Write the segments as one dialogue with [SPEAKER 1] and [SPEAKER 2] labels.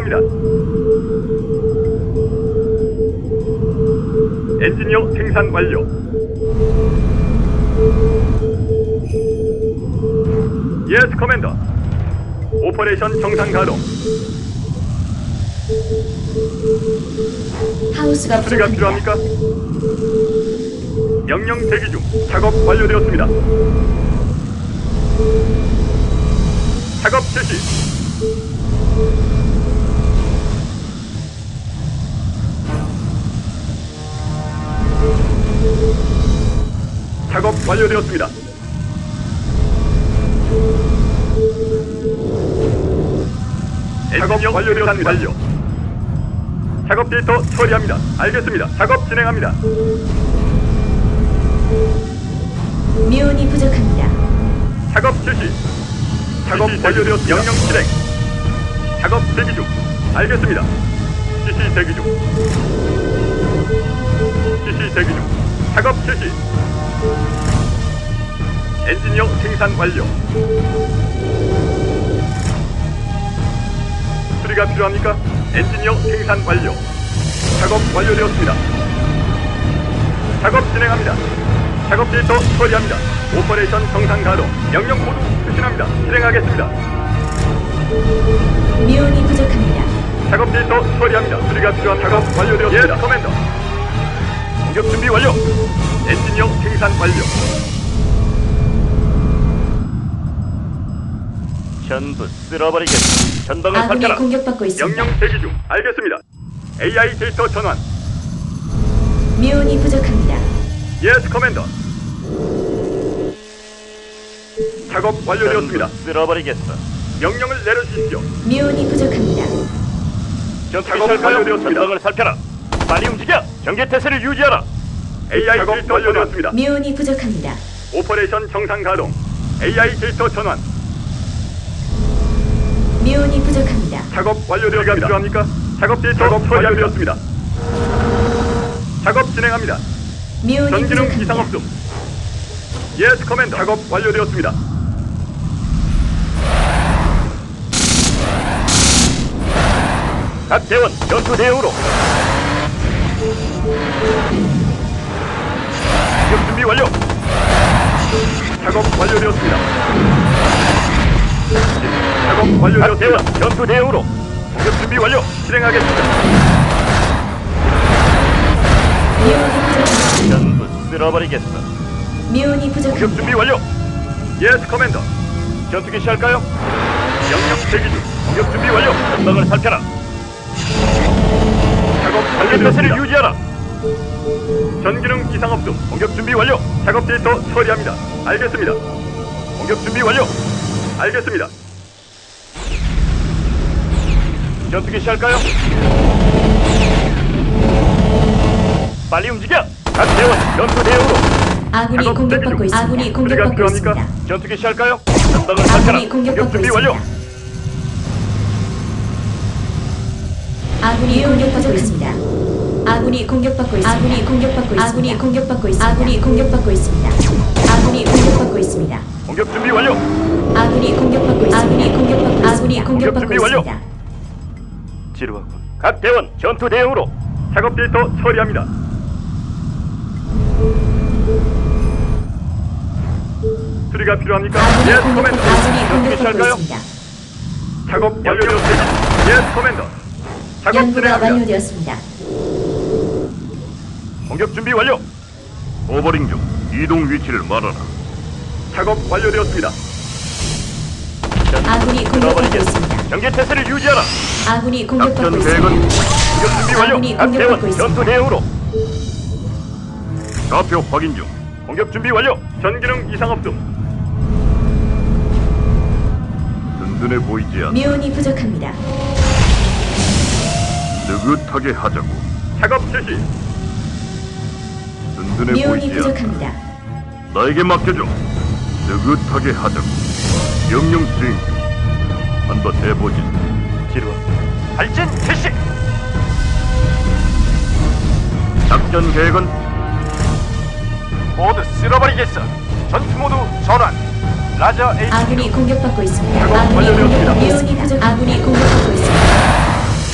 [SPEAKER 1] 처리합니다. 엔지니어 생산 완료. 예스 커맨더. 오퍼레이션 정상 가동.
[SPEAKER 2] 하우스가
[SPEAKER 1] 수리가
[SPEAKER 2] 부족합니다.
[SPEAKER 1] 필요합니까? 명령 대기 중. 작업 완료되었습니다. 작업 실시. 작업 완료되었습니다. 작업 완료되었습니다. 완료. 작업 데이터 처리합니다. 알겠습니다. 작업 진행합니다.
[SPEAKER 2] 미온이 부족합니다.
[SPEAKER 1] 작업 실시. 작업 완료되었습니다. 명령 실행. 작업 대기 중. 알겠습니다. CC 대기 중. CC 대기 중. 작업 실시. 엔지니어 생산 완료. 수리가 필요합니까? 엔지니어 생산 완료. 작업 완료되었습니다. 작업 진행합니다. 작업 데이터 처리합니다. 오퍼레이션 정상 가동. 명령 코드 수신합니다. 실행하겠습니다.
[SPEAKER 2] 미온이 부족합니다.
[SPEAKER 1] 작업 데이터 처리합니다. 수리가 필요한 작업 완료되었습니다. 예, 커맨더. 공격 준비 완료. 엔지니어 생산 완료.
[SPEAKER 3] 전부 쓸어버리겠다. 전방을
[SPEAKER 2] 아군이
[SPEAKER 3] 살펴라.
[SPEAKER 2] 공격받고 있습니다.
[SPEAKER 1] 명령 대기 중. 알겠습니다. AI 데이터 전환.
[SPEAKER 2] 미온이 부족합니다.
[SPEAKER 1] 예스 커맨더. 작업 완료되었습니다.
[SPEAKER 3] 전부 쓸어버리겠어.
[SPEAKER 1] 명령을 내려주십시오.
[SPEAKER 2] 미온이 부족합니다.
[SPEAKER 3] 전투기
[SPEAKER 1] 작업
[SPEAKER 3] 시작하여
[SPEAKER 1] 완료되었습니다.
[SPEAKER 3] 전방을 살펴라. 빨리 움직여. 경계 태세를 유지하라.
[SPEAKER 1] AI 데이터 완료되었습니다.
[SPEAKER 2] 미온이 부족합니다.
[SPEAKER 1] 오퍼레이션 정상 가동. AI 데이터 전환.
[SPEAKER 2] 미온이 부족합니다.
[SPEAKER 1] 작업 완료되었습니다. 필요합니까? 작업 데이터 완료되었습니다. 작업 진행합니다.
[SPEAKER 2] 미온이
[SPEAKER 1] 전기능
[SPEAKER 2] 부족합니다.
[SPEAKER 1] 이상 없음. 예스 커맨더. 작업 완료되었습니다.
[SPEAKER 3] 각 대원 전투 대응으로. 공격 준비 완료.
[SPEAKER 1] 작업 완료되었습니다. 작업
[SPEAKER 3] 각
[SPEAKER 1] 완료되었습니다.
[SPEAKER 3] 대원 전투 대응으로. 공격 준비 완료.
[SPEAKER 1] 실행하겠습니다.
[SPEAKER 2] 미온이 부족합니다.
[SPEAKER 3] 전부 쓸어버리겠어.
[SPEAKER 2] 미온이
[SPEAKER 3] 공격
[SPEAKER 2] 부족합니다.
[SPEAKER 3] 준비 완료.
[SPEAKER 1] 예스 커맨더.
[SPEAKER 3] 전투기 시작할까요?
[SPEAKER 1] 명령 대기 중.
[SPEAKER 3] 공격 준비 완료. 전방을 살펴라.
[SPEAKER 1] 작업
[SPEAKER 3] 경계 태세를
[SPEAKER 1] 완료되었습니다.
[SPEAKER 3] 유지하라.
[SPEAKER 1] 전기능 이상 없음.
[SPEAKER 3] 공격 준비 완료.
[SPEAKER 1] 작업 데이터 처리합니다. 알겠습니다.
[SPEAKER 3] 공격 준비 완료.
[SPEAKER 1] 알겠습니다.
[SPEAKER 3] 전투기 시작할까요? 빨리 움직여. 각 대원 전투 대응으로.
[SPEAKER 2] 아군이
[SPEAKER 1] 작업
[SPEAKER 2] 공격받고
[SPEAKER 1] 대기 중.
[SPEAKER 2] 있습니다. 아군이
[SPEAKER 1] 수리가
[SPEAKER 2] 공격받고
[SPEAKER 1] 필요합니까?
[SPEAKER 2] 있습니다.
[SPEAKER 3] 전투기 시작할까요? 전방을 살펴라.
[SPEAKER 2] 아군이
[SPEAKER 3] 공격
[SPEAKER 2] 공격받고
[SPEAKER 3] 준비 완료.
[SPEAKER 2] 있습니다. 아군이 공격받고 있습니다. 아군이 공격받고 있습니다. 아군이 공격받고 있습니다. 아군이 공격받고 있습니다. 아군이 공격받고 있습니다. 아군이 공격받고 있습니다.
[SPEAKER 3] 공격 준비 완료.
[SPEAKER 2] 아군이 공격받고 있습니다. 아군이 공격받고 있습니다. 아군이 공격받고
[SPEAKER 3] 준비 완료.
[SPEAKER 2] 있습니다.
[SPEAKER 3] 지루하군. 각 대원 전투 대응으로.
[SPEAKER 1] 작업 데이터 처리합니다. 수리가 필요합니까?
[SPEAKER 2] 아군이
[SPEAKER 1] 예스
[SPEAKER 2] 공격받고
[SPEAKER 1] 커맨더.
[SPEAKER 2] 아군이 공격받고
[SPEAKER 3] 시작할까요?
[SPEAKER 2] 있습니다.
[SPEAKER 1] 작업 완료되었습니다. 예스 커맨더. 작업
[SPEAKER 2] 연구가
[SPEAKER 1] 진행합니다.
[SPEAKER 2] 완료되었습니다.
[SPEAKER 3] 공격 준비 완료.
[SPEAKER 4] 오버링 중 이동 위치를 말하라.
[SPEAKER 1] 작업 완료되었습니다.
[SPEAKER 2] 아군이 공격받고 있습니다.
[SPEAKER 3] 경계 태세를 유지하라.
[SPEAKER 2] 아군이 공격받고
[SPEAKER 4] 작전
[SPEAKER 2] 있습니다.
[SPEAKER 4] 계획은
[SPEAKER 3] 공격 준비 완료.
[SPEAKER 2] 아군이
[SPEAKER 3] 각 대원
[SPEAKER 2] 공격받고 있습니다.
[SPEAKER 3] 전투 대응으로.
[SPEAKER 4] 좌표 확인 중.
[SPEAKER 3] 공격 준비 완료.
[SPEAKER 1] 전기능 이상 없음.
[SPEAKER 4] 든든해 보이지 않아.
[SPEAKER 2] 미온이 부족합니다.
[SPEAKER 4] 느긋하게 하자고.
[SPEAKER 1] 작업 실시.
[SPEAKER 4] 든든해
[SPEAKER 2] 미온이
[SPEAKER 4] 보이지 않아.
[SPEAKER 2] 부족합니다.
[SPEAKER 4] 나에게 맡겨줘. 느긋하게 하자고. 명령 수행 중. 한번 해보지.
[SPEAKER 3] 지루하. 발진 실시.
[SPEAKER 4] 작전 계획은
[SPEAKER 3] 모두 쓸어버리겠어. 전투 모드 전환. 라저 H.
[SPEAKER 2] 아군이 공격받고 있습니다.
[SPEAKER 1] 작업
[SPEAKER 2] 아군이
[SPEAKER 1] 완료되었습니다.
[SPEAKER 2] 공격받고 있습니다. 아군이 공격받고 있습니다.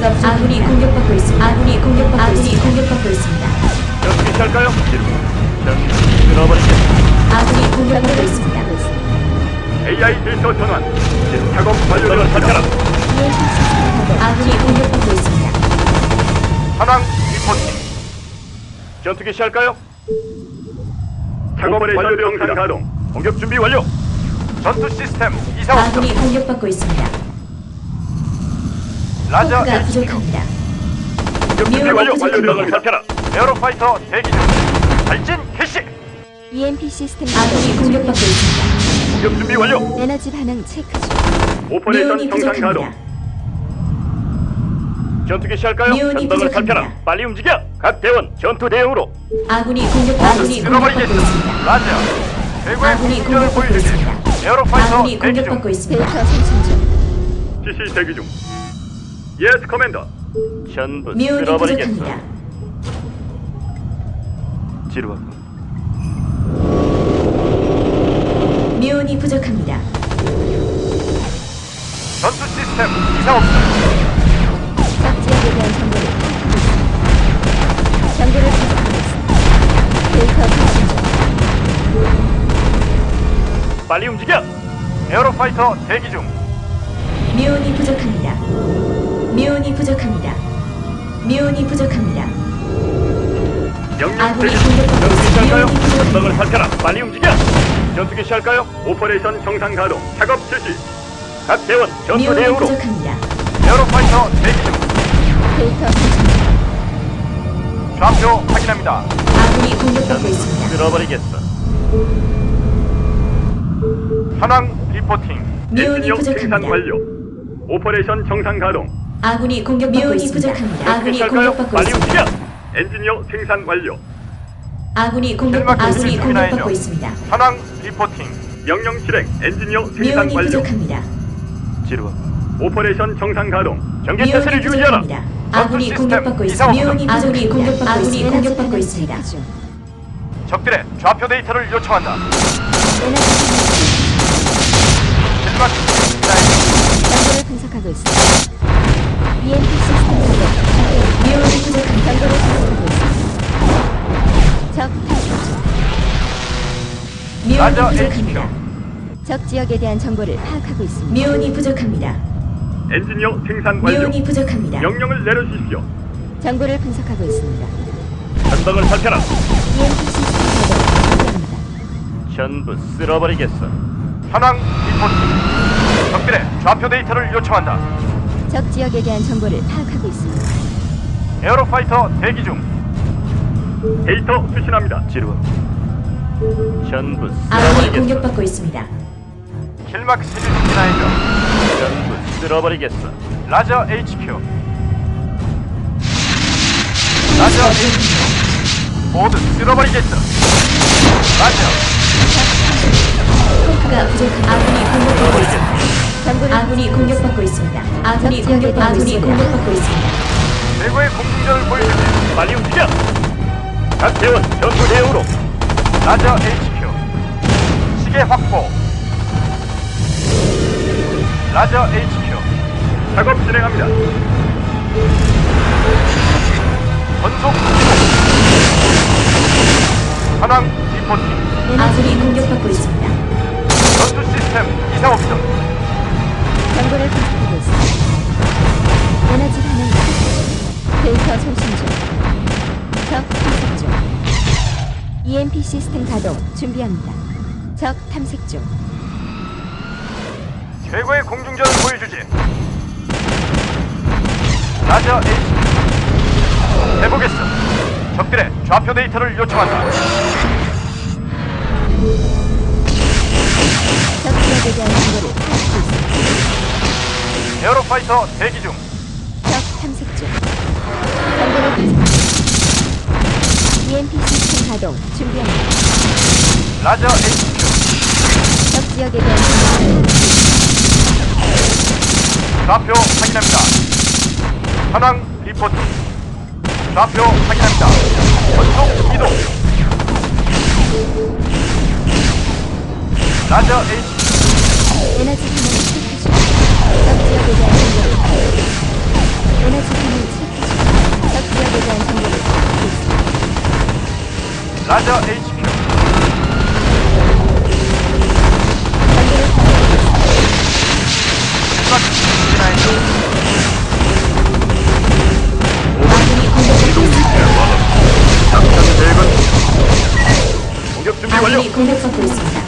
[SPEAKER 2] 전투가 부족합니다. 아군이 공격받고 있습니다. 아군이 공격받고 있습니다.
[SPEAKER 3] 전투기 시작할까요? 전투 끊어버리겠어.
[SPEAKER 2] 아군이 공격받고 있습니다.
[SPEAKER 1] AI 데이터 전환. 작업
[SPEAKER 3] 전방을
[SPEAKER 1] 완료되었습니다.
[SPEAKER 3] 살펴라.
[SPEAKER 2] 아군이 공격받고 있습니다.
[SPEAKER 3] 현황 리포팅. 전투기 시작할까요?
[SPEAKER 1] 작업 완료되었습니다. 가동.
[SPEAKER 3] 공격 준비 완료. 전투 시스템 이상 없음.
[SPEAKER 2] 아군이 공격받고 있습니다.
[SPEAKER 3] 라저
[SPEAKER 2] 포크가
[SPEAKER 3] HQ.
[SPEAKER 2] 부족합니다.
[SPEAKER 3] 공격 준비
[SPEAKER 2] 미온이
[SPEAKER 3] 완료.
[SPEAKER 2] 부족합니다.
[SPEAKER 3] 전방을 살펴라. 에어로파이터 대기 중. 발진 개시.
[SPEAKER 5] EMP 시스템
[SPEAKER 2] 아군이 공격받고 있습니다.
[SPEAKER 3] 공격 준비 완료.
[SPEAKER 5] 에너지 반응 체크 중.
[SPEAKER 1] 오퍼레이션
[SPEAKER 2] 미온이
[SPEAKER 1] 정상 가동.
[SPEAKER 2] 부족합니다.
[SPEAKER 3] 전투기 시작할까요?
[SPEAKER 2] 미온이
[SPEAKER 3] 전방을
[SPEAKER 2] 부족합니다.
[SPEAKER 3] 살펴라. 빨리 움직여. 각 대원 전투 대응으로.
[SPEAKER 2] 아군이 공격받고 있습니다.
[SPEAKER 3] 라저. 최고의
[SPEAKER 2] 아군이
[SPEAKER 3] 공격을
[SPEAKER 2] 공격받고
[SPEAKER 3] 보여주지.
[SPEAKER 2] 있습니다.
[SPEAKER 3] 에어로파이터
[SPEAKER 2] 아군이
[SPEAKER 3] 대기 중.
[SPEAKER 2] 공격받고 있습니다.
[SPEAKER 5] 데이터 생성 중.
[SPEAKER 1] CC 대기 중. 예스 커맨더.
[SPEAKER 3] 전부
[SPEAKER 2] 미온이
[SPEAKER 3] 쓸어버리겠어.
[SPEAKER 2] 부족합니다.
[SPEAKER 3] 지루하고.
[SPEAKER 2] 미온이 부족합니다.
[SPEAKER 3] 전투 시스템 이상 없음.
[SPEAKER 5] 적 지역에 대한 정보를 파악하고 있습니다. 정보를 분석하고 있습니다. 데이터 생성 중.
[SPEAKER 3] 빨리 움직여. 에어로파이터 대기 중.
[SPEAKER 2] 미온이 부족합니다. 미온이 부족합니다. 미온이 부족합니다.
[SPEAKER 1] 명령
[SPEAKER 2] 아군이
[SPEAKER 1] 대기 중.
[SPEAKER 2] 공격받고
[SPEAKER 3] 전투기
[SPEAKER 2] 있습니다.
[SPEAKER 3] 시작할까요?
[SPEAKER 2] 미온이
[SPEAKER 3] 전방을
[SPEAKER 2] 부족합니다.
[SPEAKER 3] 살펴라. 빨리 움직여. 전투기 시작할까요?
[SPEAKER 1] 오퍼레이션 정상 가동. 작업 실시.
[SPEAKER 3] 각 대원 전투
[SPEAKER 2] 미온이
[SPEAKER 3] 대응으로.
[SPEAKER 2] 부족합니다.
[SPEAKER 3] 에어로파이터 대기 중.
[SPEAKER 5] 데이터 생성 중.
[SPEAKER 3] 좌표 확인합니다.
[SPEAKER 2] 아군이 공격받고 있습니다.
[SPEAKER 3] 쓸어버리겠어. 현황 리포팅.
[SPEAKER 2] 미온이
[SPEAKER 1] 엔지니어 생산
[SPEAKER 2] 부족합니다.
[SPEAKER 1] 완료. 오퍼레이션 정상 가동.
[SPEAKER 2] 아군이 공격받고 있습니다. 아군이
[SPEAKER 3] 시작할까요?
[SPEAKER 2] 공격받고
[SPEAKER 3] 빨리
[SPEAKER 2] 있습니다.
[SPEAKER 3] 움직여.
[SPEAKER 1] 엔지니어 생산 완료.
[SPEAKER 2] 아군이
[SPEAKER 3] 셀막
[SPEAKER 2] 공격받고
[SPEAKER 3] 준비해야죠.
[SPEAKER 2] 있습니다.
[SPEAKER 3] 현황 리포팅.
[SPEAKER 1] 명령 실행. 엔지니어 생산
[SPEAKER 2] 미온이
[SPEAKER 1] 완료.
[SPEAKER 2] 부족합니다.
[SPEAKER 3] 지루하.
[SPEAKER 1] 오퍼레이션 정상 가동.
[SPEAKER 3] 전개
[SPEAKER 2] 미온이
[SPEAKER 3] 태세를 유지하라.
[SPEAKER 2] 부족합니다. 아군이
[SPEAKER 3] 시스템
[SPEAKER 2] 공격받고
[SPEAKER 3] 이상
[SPEAKER 2] 있습니다.
[SPEAKER 3] 없음.
[SPEAKER 2] 미온이 공격받고
[SPEAKER 5] 에너지
[SPEAKER 2] 있습니다.
[SPEAKER 5] 반응 체크 중.
[SPEAKER 3] 적들의 좌표 데이터를 요청한다.
[SPEAKER 5] 에너지
[SPEAKER 3] 실막
[SPEAKER 5] 정보를 분석하고 있습니다. EMP 시스템 연결.
[SPEAKER 2] 미온이 부족합니다.
[SPEAKER 5] 정보를 분석하고 있습니다. 적 탐색 중.
[SPEAKER 2] 미온이
[SPEAKER 3] 라저
[SPEAKER 2] 부족합니다.
[SPEAKER 5] 적 지역에 대한 정보를 파악하고 있습니다.
[SPEAKER 2] 미온이 부족합니다.
[SPEAKER 1] 엔지니어 생산 완료.
[SPEAKER 2] 미온이 부족합니다.
[SPEAKER 1] 명령을 내려주십시오.
[SPEAKER 5] 정보를 분석하고 있습니다.
[SPEAKER 3] 전방을 살펴라.
[SPEAKER 5] EMP 시스템 가동 완료합니다.
[SPEAKER 3] 전부 쓸어버리겠어. 현황 리포팅. 적들의 좌표 데이터를 요청한다.
[SPEAKER 5] 적 지역에 대한 정보를 파악하고 있습니다.
[SPEAKER 3] 에어로파이터 대기 중.
[SPEAKER 1] 데이터 수신합니다.
[SPEAKER 3] 지루하. 전부
[SPEAKER 2] 아군이
[SPEAKER 3] 쓸어버리겠어.
[SPEAKER 2] 공격받고 있습니다.
[SPEAKER 3] 킬막스를 진화해줘. 전부 쓸어버리겠어. 라저 HQ. 라저 HQ. 모두 쓸어버리겠어. 라저.
[SPEAKER 2] 포크가 부족합니다. 아군이 공격받고 있습니다.
[SPEAKER 5] 정보를
[SPEAKER 2] 아군이 공격받고 있습니다. 아군이 공격받고 있습니다.
[SPEAKER 3] 최고의 공중전을 보여주지. 빨리 움직여. 각 대원 전투 대응으로. 라저 HQ. 시계 확보. 라저 HQ.
[SPEAKER 1] 작업 진행합니다.
[SPEAKER 3] 전속 현황 리포팅.
[SPEAKER 2] 아군이 공격받고 있습니다.
[SPEAKER 3] 전투 시스템 이상 없음.
[SPEAKER 5] 정보를 분석하고 있습니다. 에너지 반응 체크 중. 데이터 송신 중. 적 탐색 중. EMP 시스템 가동 준비합니다. 적 탐색 중.
[SPEAKER 3] 최고의 공중전을 보여주지. 라저 H. 해보겠어. 적들의 좌표 데이터를 요청한다.
[SPEAKER 5] 적 지역에 대한 정보를 파악하고 있습니다.
[SPEAKER 3] 에어로파이터 대기 중.
[SPEAKER 5] 적 탐색 중. 정보를 분석합니다. EMP 시스템 가동 준비합니다.
[SPEAKER 3] 라저 HQ.
[SPEAKER 5] 적 지역에 대한 정보를
[SPEAKER 3] 좌표 확인합니다. 현황 리포팅. 좌표 확인합니다. 전속 이동. 라저 HQ.
[SPEAKER 5] 에너지 반응 체크 중. 적 지역에 대한 정보를 파악하고 있습니다. 에너지 반응
[SPEAKER 3] 라자 HQ.
[SPEAKER 2] 아군이 공격받고 있습니다.
[SPEAKER 4] 작전 계획은
[SPEAKER 3] 공격 준비 완료.
[SPEAKER 2] 아군이 공격받고 있습니다.